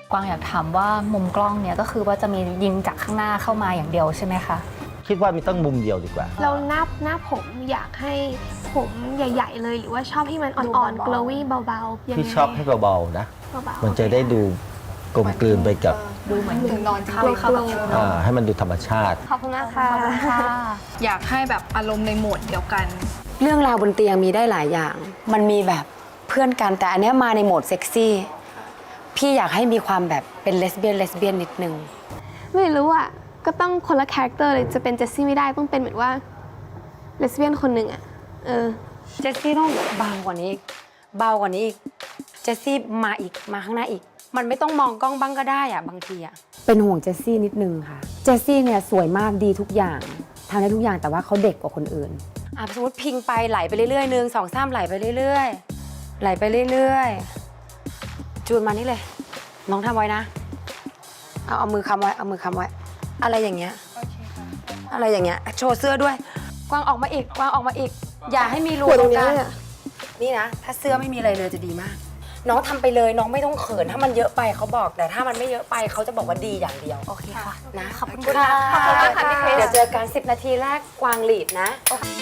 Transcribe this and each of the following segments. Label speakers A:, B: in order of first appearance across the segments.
A: กวางอยากถามว่ามุมกล้องเนี่ยก็คือว่าจะมียิงจากข้างหน้าเข้ามาอย่างเดียวใช่ไหมคะ
B: คิดว่ามีต้องมุมเดียวดีกว่า
C: เราหน้าผมอยากให้ผมใหญ่ๆเลยหรือว่าชอบให้มันอ่อนๆ glowy เบาๆยังไง
B: พี่ชอบให้เบาๆนะ
C: เบาๆ
B: มันจะได้ดูกลมกลืนไปกับ
A: ดูเหมือนถึงนอนเข้า
B: ให้มันดูธรรมชาติ
C: ขอบคุณมากค่ะ
D: อยากให้แบบอารมณ์ในโหมดเดียวกัน
E: เรื่องราวบนเตียงมีได้หลายอย่าง มันมีแบบเพื่อนกันแต่อันเนี้ยมาในโหมดเซ็กซี่พี่อยากให้มีความแบบเป็นเลสเบี้ยนนิดนึง
C: ไม่รู้อ่ะก็ต้องคนละคาแรคเตอร์เลยจะเป็นเจสซี่ไม่ได้ต้องเป็นเหมือนว่าเลสเบี้ยนคนหนึ่งอ่ะ
E: เจสซี่ต้องเบากว่านี้อีกเบากว่านี้อีกเจสซี่มาข้างหน้าอีกมันไม่ต้องมองกล้องบ้างก็ได้อะบางทีอะเป็นห่วงเจสซี่นิดนึงค่ะเจสซี่เนี่ยสวยมากดีทุกอย่างทำได้ทุกอย่างแต่ว่าเขาเด็กกว่าคนอื่นสมมติพิงไปไหลไปเรื่อยๆ1 2 3ไหลไปเรื่อยๆไหลไปเรื่อยๆจูนมานี่เลยน้องทำไว้นะเอามือค้ำไว้อะไรอย่างเงี้ยอะไรอย่างเงี้ยโชว์เสื้อด้วยกวางออกมาอีกอย่าให้มีรูตรงกลางนี่นะถ้าเสื้อไม่มีอะไรเลยจะดีมากน้องทำไปเลยน้องไม่ต้องเขินถ้ามันเยอะไปเขาบอกแต่ถ้ามันไม่เยอะไปเขาจะบอกว่าดีอย่างเดียวโอเคค่ะนะขอบคุณค่ะเดี๋ยวเจอกัน10 นาทีแรกกวางหลีดนะ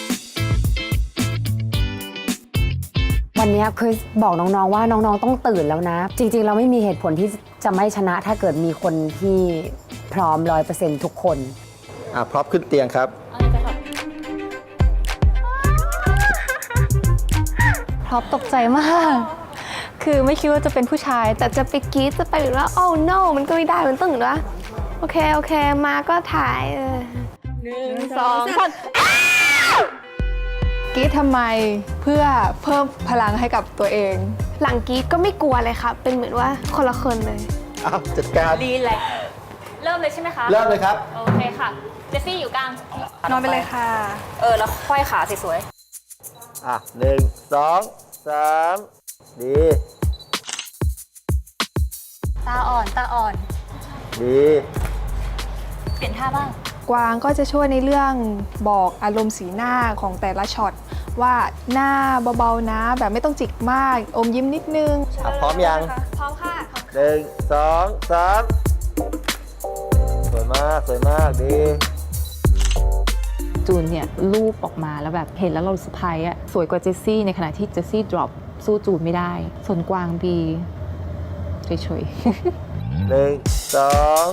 E: วันนี้เคยบอกน้องๆว่าน้องๆต้องตื่นแล้วนะจริงๆเราไม่มีเหตุผลที่จะไม่ชนะถ้าเกิดมีคนที่พร้อม 100% ทุกคน
B: พร้อมขึ้นเตียงครับ
A: พร็อพตกใจมากคือไม่คิดว่าจะเป็นผู้ชาย
C: แต่จะไปกรี๊ดจะไปหรือว่า oh no มันก็ไม่ได้มันต้องหรือว่าโอเคมาก็ถ่าย
D: 1 2 3กรี๊ดทำไมเพื่อเพิ่มพลังให้กับตัวเอง
C: หลังกรี๊ดก็ไม่กลัวเลยค่ะเป็นเหมือนว่าคนละคนเลย
B: จัดการ
A: รีแลกซ์เริ่มเลยใช่ไหมคะ
B: เริ่มเลยครับ
A: โอเคค่ะเจสซี่อยู่กลาง
D: นอนไปเลยค่ะ
A: แล้วค่อยขาสวย
B: 1 2 3ดี
A: ตาอ่อน
B: ดี
A: เปลี่ยนท่าบ้าง
D: กวางก็จะช่วยในเรื่องบอกอารมณ์สีหน้าของแต่ละช็อตว่าหน้าเบาๆนะแบบไม่ต้องจิกมากอมยิ้มนิดนึง
B: พร้อมยัง
C: พร้อมค่ะ
B: 1 2 3สวยมากดี
F: จูนเนี่ยรูปออกมาแล้วแบบเห็นแล้วเราเซอร์ไพรส์อะสวยกว่าเจสซี่ในขณะที่เจสซี่ดรอปสู้จูนไม่ได้ส่วนกวางบีเฉย
B: ๆ1 2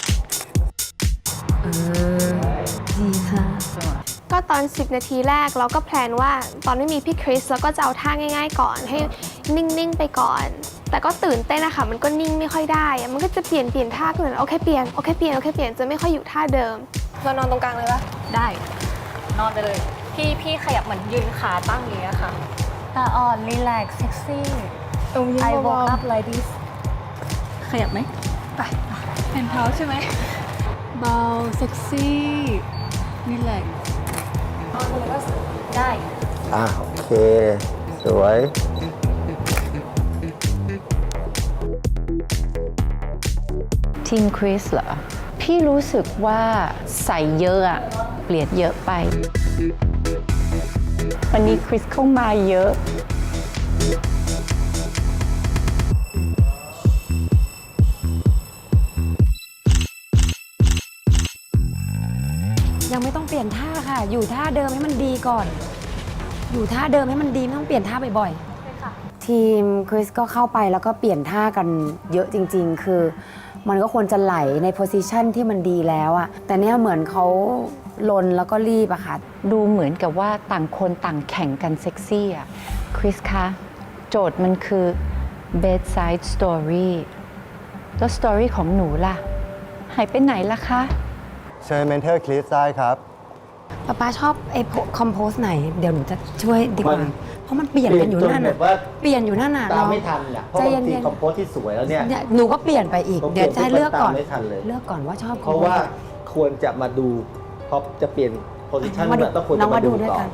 E: ดีค่ะ
C: ก็ตอน10 นาทีแรกเราก็แพลนว่าตอนไม่มีพี่คริสเราก็จะเอาท่าง่ายๆก่อนให้นิ่งๆไปก่อนแต่ก็ตื่นเต้นนะคะมันก็นิ่งไม่ค่อยได้มันก็จะเปลี่ยนท่าก็เหมือนโอเคเปลี่ยนจะไม่ค่อยอยู่ท่าเดิมเรานอนตรงกลางเลยปะ
A: ได้นอนไปเลยพี่ขยับเหมือนยืนขาตั้งอย่างเงี้ยค่ะตาอ่อนรีแลกซ์เซ็กซี่ I woke up like this ขยับไหม
D: ไปแผ่นเท้าใช่ไหมเบาเซ็กซี่รีแลกซ์
A: ได้
B: โอเคสวย
F: ทีมคริสเหรอพี่รู้สึกว่าใส่เยอะอะเปลี่ยนเยอะไปวันนี้คริสเข้ามาเยอะ
E: ยังไม่ต้องเปลี่ยนท่าค่ะอยู่ท่าเดิมให้มันดีก่อนอยู่ท่าเดิมให้มันดีไม่ต้องเปลี่ยนท่าบ่อยๆทีมคริสก็เข้าไปแล้วก็เปลี่ยนท่ากันเยอะจริงๆคือมันก็ควรจะไหลในโพสิชันที่มันดีแล้วอะแต่เนี่ยเหมือนเขาลนแล้วก็รีบอะค่ะ
F: ดูเหมือนกับว่าต่างคนต่างแข่งกันเซ็กซี่อะคริสคะโจทย์มันคือ bedside story แล้ว story ของหนูล่ะหายไปไหนล่ะคะ
G: เชิญเมนเทอร์คริสได้ครับ
E: ป๊าชอบไอ้คอมโพสไหนเดี๋ยวหนูจะช่วยดีกว่าเพราะมันเปลี่ยนกันอยู่นั่นน่ะเปลี่ยนอยู่นั่นน่ะ
B: ตามไม่ทันแหละเพราะบางทีคอมโพสที่สวยแล้วเนี่ย
E: หนูก็เปลี่ยนไปอีกเดี๋ยวจะเลือกก่อนเลือกก่อนว่าชอบ
B: เพราะว่าควรจะมาดูพอจะเปลี่ยนโพสิชันเนี่ยต้องควรจะมาดูก่อน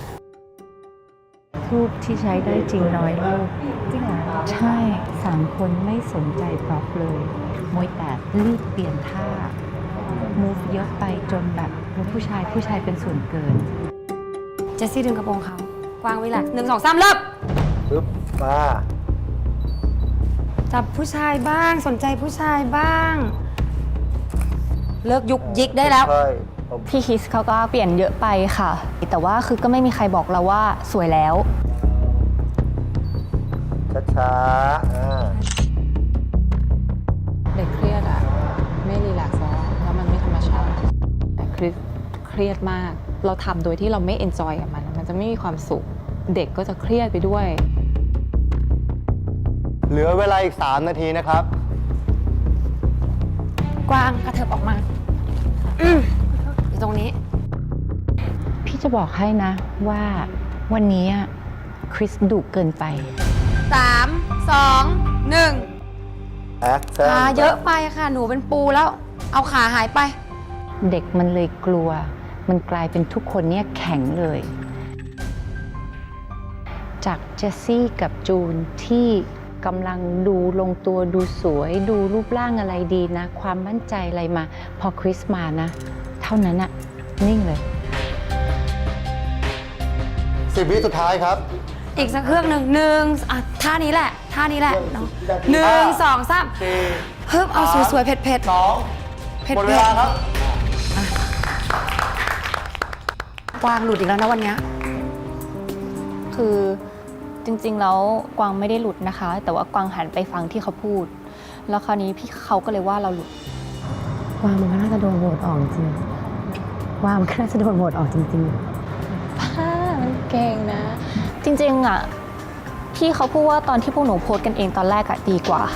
F: ทูบที่ใช้ได้จริงน้อยลูกจริงเหรอใช่3 คนไม่สนใจพร็อพเลยมวยแต่รีบเปลี่ยนท่าmove เยอะไปจนแบบผู้ชายเป็นส่วนเกิน
E: เจสซี่ดึงกระโปรงเขากวางไว้หลัก1 2 3เริ่ม
B: ปึ๊บมา
E: จจับผู้ชายบ้างสนใจผู้ชายบ้าง เลิกยุกยิกได้แล้ว
G: ใช่
A: พี่คริสเขาก็เปลี่ยนเยอะไปค่ะ แต่ว่าคือก็ไม่มีใครบอกเราว่าสวยแล้ว
G: ช้าๆ
H: เด็กเครียดอะไม่รีแลกซ์แล้วมันไม่ธรรมชาติแต่คริสเครียดมาก เราทำโดยที่เราไม่เอนจอยกับมันจะไม่มีความสุข เด็กก็จะเครียดไปด้วย
G: เหลือเวลาอีก 3 นาทีนะครับ
E: กวางกระเถิบออกมาอยู่ตรงนี้
F: พี่จะบอกให้นะว่าวันนี้คริสดุเกินไป
E: 3 2 1
G: แอคชั่น
E: ขาเยอะไปค่ะหนูเป็นปูแล้ว เอาขาหายไป
F: เด็กมันเลยกลัว มันกลายเป็นทุกคนเนี่ยแข็งเลย จากเจสซี่กับจูนที่กำลังดูลงตัวดูสวยดูรูปร่างอะไรดีนะ ความมั่นใจอะไรมา พอคริสมานะ เท่านั้นอะนิ่งเลย
G: 10 วิสุดท้ายครับ
E: อีกสักเครื่องหนึ่งอ่ะท่านี้แหละท่านี้แหละเนาะ1 2 3ฮึบเอาสวยๆเผ็ด
G: 2
E: เผ็ด
G: หมดเวลาครับ
E: กวางหลุดอีกแล้วนะวันเนี้ย
A: คือจริงๆแล้วกวางไม่ได้หลุดนะคะ แต่ว่ากวางหันไปฟังที่เขาพูด แล้วคราวนี้พี่เขาก็เลยว่าเราหลุด
E: กวางมันก็น่าจะโดนโหวตออกจริงกวางมันก็น่าจะโดนโหวตออกจริง
H: มันเก่งนะ
A: จริงๆอ่ะพี่เขาพูดว่าตอนที่พวกหนูโพสต์กันเองตอนแรกอะดีกว่า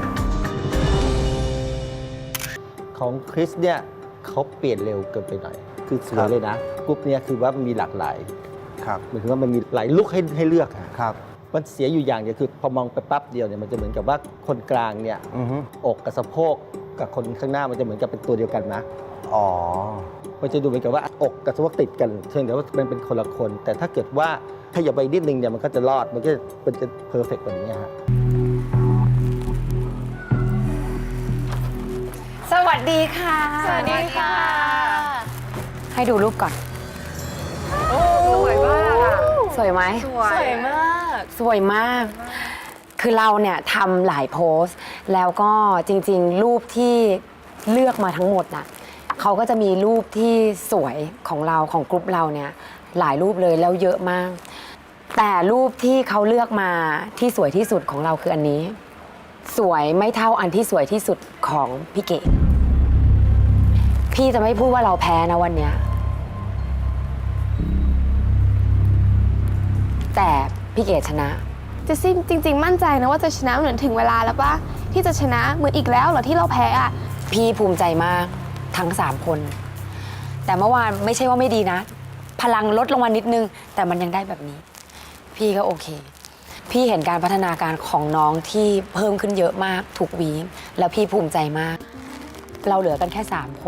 B: ของคริสเนี่ยเขาเปลี่ยนเร็วเกินไปหน่อย คือสวยเลยนะกรุ๊ปเนี่ยคือว่ามันมีหลากหลาย
G: ครับ
B: หมายถึงว่ามันมีหลายลุคให้เลือกอะ
G: ครับ
B: มันเสียอยู่อย่างเดียวคือพอมองไปปั๊บเดียวเนี่ยมันจะเหมือนกับว่าคนกลางเนี่ย
G: อือฮึ
B: อกกับสะโพกกับคนข้างหน้ามันจะเหมือนกับเป็นตัวเดียวกันนะ
G: อ๋อ
B: มันจะดูเหมือนกับว่าอกกับสะโพกติดกันเพียงแต่ว่ามันเป็นคนละคน แต่ถ้าเกิดว่าขยับไปนิดนึงเนี่ยมันก็จะรอดมันก็จะเพอร์เฟกต์แบบนี้ฮะ
E: ๆ สวัสดีค่ะ
A: สวัสดีค่ะ
E: ให้ดูรูปก่อน
A: สวยมาก
E: สวยไหม
A: สวยมาก
E: สวยมาก คือเราเนี่ยทำหลายโพสต์ แล้วก็จริงๆ รูปที่เลือกมาทั้งหมดน่ะเขาก็จะมีรูปที่สวยของเราของกลุ่มเราเนี่ยหลายรูปเลยแล้วเยอะมาก แต่รูปที่เขาเลือกมาที่สวยที่สุดของเราคืออันนี้ สวยไม่เท่าอันที่สวยที่สุดของพี่เก๋พี่จะไม่พูดว่าเราแพ้นะวันเนี้ยแต่พี่เก๋ชนะ
C: เจสซี่จริง ๆ มั่นใจนะว่าจะชนะเหมือนถึงเวลาแล้วปะที่จะชนะเหมือนอีกแล้วเหรอที่เราแพ้อะ
E: พี่ภูมิใจมากทั้ง 3 คน แต่เมื่อวานไม่ใช่ว่าไม่ดีนะ พลังลดลงมานิดนึง แต่มันยังได้แบบนี้ พี่ก็โอเค พี่เห็นการพัฒนาการของน้องที่เพิ่มขึ้นเยอะมากทุกวีคแล้วพี่ภูมิใจมาก เราเหลือกันแค่ 3 คน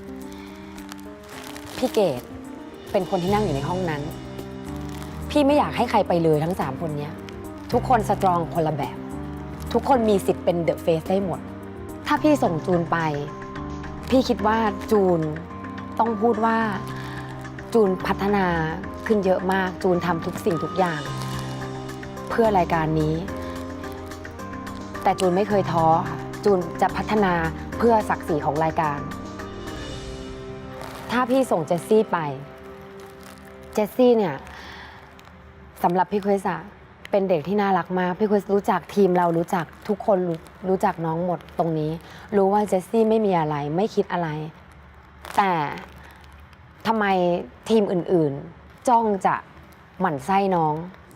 E: พี่เกดเป็นคนที่นั่งอยู่ในห้องนั้น พี่ไม่อยากให้ใครไปเลยทั้ง 3 คนเนี้ยทุกคนสตรองคนละแบบ ทุกคนมีสิทธิ์เป็นเดอะเฟสได้หมด ถ้าพี่ส่งจูนไป พี่คิดว่าจูนต้องพูดว่าจูนพัฒนาขึ้นเยอะมากจูนทำทุกสิ่งทุกอย่าง เพื่อรายการนี้ แต่จูนไม่เคยท้อค่ะจูนจะพัฒนาเพื่อศักดิ์ศรีของรายการ ถ้าพี่ส่งเจสซี่ไปเจสซี่เนี่ยสำหรับพี่คริสอะเป็นเด็กที่น่ารักมากพี่คริสรู้จักทีมเรารู้จักทุกคนรู้จักน้องหมดตรงนี้ รู้ว่าเจสซี่ไม่มีอะไรไม่คิดอะไร แต่ทำไมทีมอื่นๆจ้องจะหมั่นไส้น้อง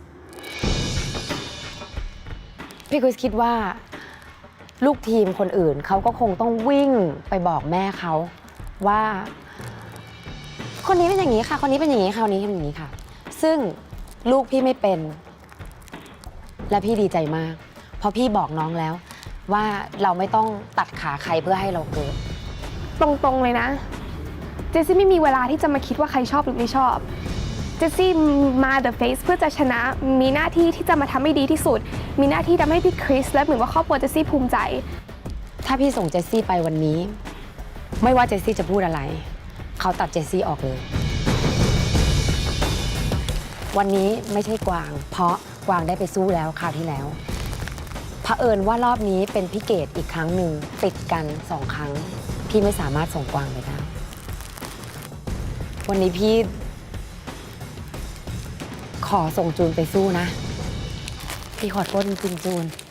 E: พี่คริสคิดว่าลูกทีมคนอื่นเขาก็คงต้องวิ่งไปบอกแม่เขาว่าคนนี้เป็นอย่างนี้ค่ะคนนี้เป็นอย่างนี้ค่ะคนนี้เป็นอย่างนี้ค่ะซึ่งลูกพี่ไม่เป็นและพี่ดีใจมากเพราะพี่บอกน้องแล้วว่าเราไม่ต้องตัดขาใครเพื่อให้เราเกิด
C: ตรงๆเลยนะเจสซี่ไม่มีเวลาที่จะมาคิดว่าใครชอบหรือไม่ชอบเจสซี่มา The Face เพื่อจะชนะมีหน้าที่ที่จะมาทำให้ดีที่สุดมีหน้าที่ทำให้พี่คริสและเหมือนว่าครอบครัวเจสซี่ภูมิใจ
E: ถ้าพี่ส่งเจสซี่ไปวันนี้ไม่ว่าเจสซี่จะพูดอะไรเขาตัดเจสซี่ออกเลยวันนี้ไม่ใช่กวางเพราะกวางได้ไปสู้แล้วคราวที่แล้วเผอิญว่ารอบนี้เป็นพี่เกดอีกครั้งหนึ่งติดกัน2 ครั้ง พี่ไม่สามารถส่งกวางไปได้ วันนี้พี่ ขอส่งจูนไปสู้นะ พี่ขอโทษจริงๆจูน